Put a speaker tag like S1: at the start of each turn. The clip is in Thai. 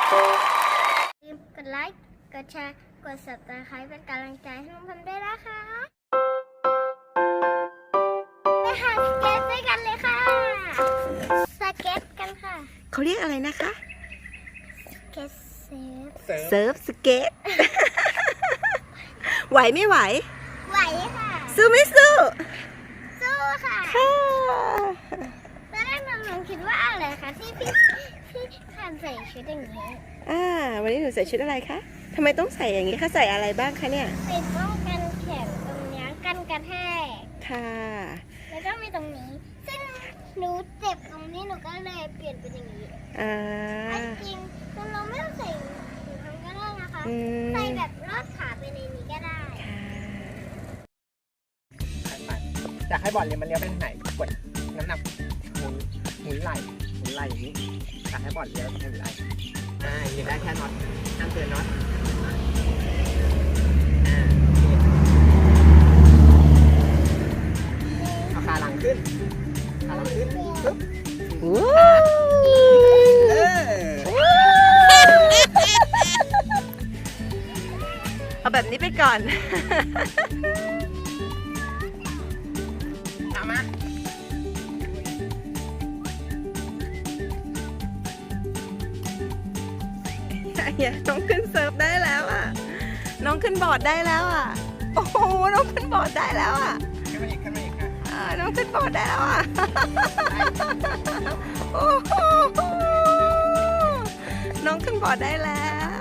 S1: ลืมกดไลค์กดแชร์กด Subscribe เป็นกำลังใจให้น้องพันด้วยนะคะไปหาสเก็ตด้วยกันเลยค่ะสเก็ตกันค่ะ
S2: เขาเรียกอะไรนะคะ
S1: สเก็ตเซฟ
S2: เซิร์ฟสเก็ต ไหวไม่ไหว
S1: ไหวค่ะ
S2: สู้ไม่สู้
S1: สู้ค่ะ
S2: ค่ะ
S1: ตอนแรกน้องคิดว่าอะไรคะที่คันใส่ชุดอย่างนี้
S2: วันนี้หนูใส่ชุดอะไรคะทำไมต้องใส่อย่างนี้คะใส่อะไรบ้างคะเนี่ย
S1: ใส่ป้องกันแขนตรงนี้กันกระแทก
S2: ค่ะ
S1: แล้วก็มีตรงนี้ ซึ่งหนูเจ็บตรงนี้หนูก็เลยเปลี่ยนเป็นอย่างนี้ อันจริงเราไม่ต้องใส่ถุงเท้าก็ได้นะคะ ใส่แบบลอดขาไปในนี้ก็ได้
S3: อยากให้บอลเลี้ยวมันเลี้ยวไปทางไหนกดน้ำหนักหมุนไหล่อย่างนี้อยากให้บอลเลี้ยวหมุนไหล่ยืนได้แค่น็อตห้ามเกินน็อตเอาขาหลังขึ้นปึ๊บ
S2: เอาแบบนี้ไปก่อน
S3: ตามมา
S2: น้องขึ้นเซิร์ฟได้แล้วอ่ะ น้องขึ้นบอร์ดได้แล้วอ่ะ โอ้โห น้องขึ้นบอร์ดได้แล้วอ่ะ
S3: ขึ้นมาอีกค่ะ
S2: น้องขึ้นบอร์ดได้แล้วอ่ะ โอ้โห น้องขึ้นบอร์ดได้แล้ว